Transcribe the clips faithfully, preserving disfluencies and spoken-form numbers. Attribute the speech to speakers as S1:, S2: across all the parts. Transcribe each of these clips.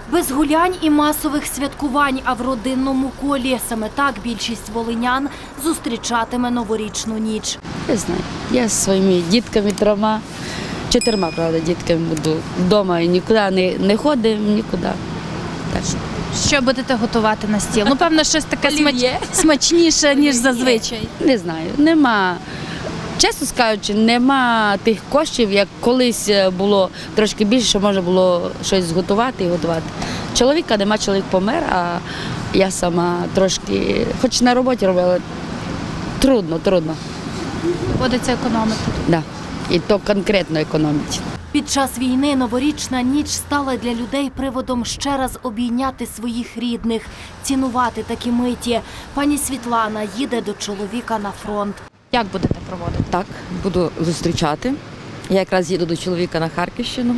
S1: Без гулянь і масових святкувань, а в родинному колі. Саме так більшість волинян зустрічатиме новорічну ніч.
S2: Я знаю, я зі своїми дітками трьома, чотирма, правда, дітками буду вдома і нікуди не, не ходимо, нікуди. Так.
S3: Що будете готувати на стіл? Ну, певно, щось таке смач... смачніше, ніж зазвичай.
S2: Не знаю, нема, чесно кажучи, нема тих коштів, як колись було трошки більше, що можна було щось зготувати і готувати. Чоловіка нема, чоловік помер, а я сама трошки, хоч на роботі робила, трудно, трудно.
S3: Доводиться економити.
S2: Да. І то конкретно економити.
S1: Під час війни новорічна ніч стала для людей приводом ще раз обійняти своїх рідних, цінувати такі миті. Пані Світлана їде до чоловіка на фронт.
S3: Як будете проводити?
S4: Так, буду зустрічати. Я якраз їду до чоловіка на Харківщину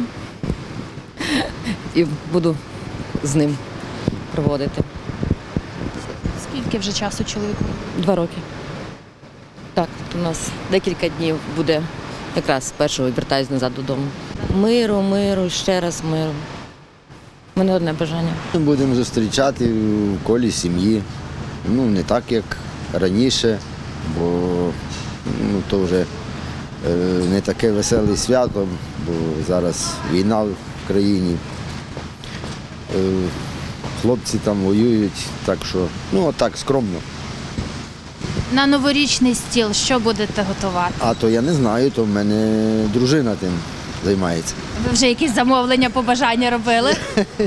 S4: і буду з ним проводити.
S3: Скільки вже часу чоловіку?
S4: Два роки. Так, у нас декілька днів буде, якраз першого вертаюсь назад додому. Миру, миру, ще раз миру. У мене одне бажання.
S5: Будемо зустрічати в колі сім'ї. Ну, не так, як раніше, бо ну, то вже е, не таке веселе свято, бо зараз війна в країні. Е, хлопці там воюють, так що, ну, отак, скромно.
S3: На новорічний стіл що будете готувати?
S5: А то я не знаю, то в мене дружина тим займається.
S3: Ви вже якісь замовлення, побажання робили?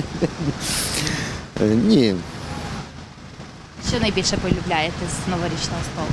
S5: Е, ні,
S3: Що найбільше полюбляєте з новорічного столу?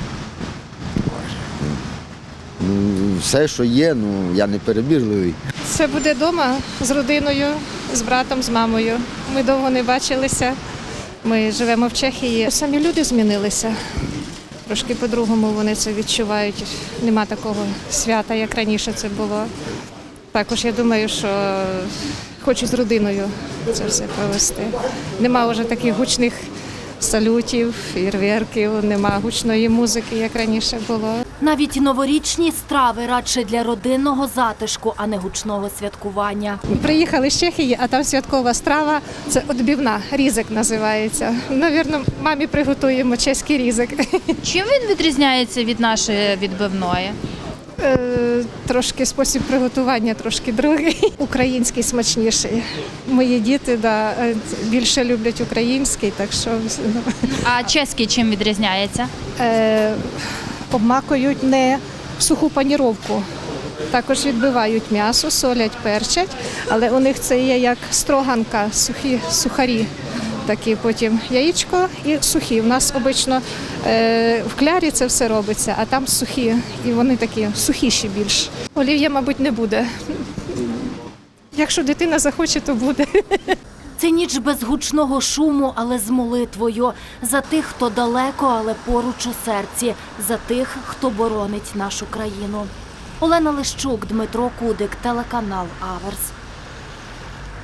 S5: ну, все, що є, ну, я не перебірливий.
S6: Це буде вдома з родиною, з братом, з мамою. Ми довго не бачилися. Ми живемо в Чехії. Самі люди змінилися. Трошки по-другому вони це відчувають. Нема такого свята, як раніше це було. Також я думаю, що хочу з родиною це все провести. Нема вже таких гучних салютів, фейерверків, нема гучної музики, як раніше було.
S1: Навіть новорічні страви радше для родинного затишку, а не гучного святкування.
S6: Приїхали з Чехії, а там святкова страва – це відбивна, різик називається. Навірно, мамі приготуємо чеський різик.
S3: Чим він відрізняється від нашої відбивної?
S6: Е, Трошки спосіб приготування, трошки другий. Український смачніший. Мої діти да, більше люблять український, так що ну,
S3: А чеський чим відрізняється?
S6: е, обмакують не в суху паніровку. Також відбивають м'ясо, солять, перчать, але у них це є як строганка, сухі сухарі. Такі потім яєчко і сухі. У нас обично е, в клярі це все робиться, а там сухі. І вони такі сухіші більш. Олів'я, мабуть, не буде. Якщо дитина захоче, то буде.
S1: Це ніч без гучного шуму, але з молитвою. За тих, хто далеко, але поруч у серці. За тих, хто боронить нашу країну. Олена Лищук, Дмитро Кудик, телеканал Аверс.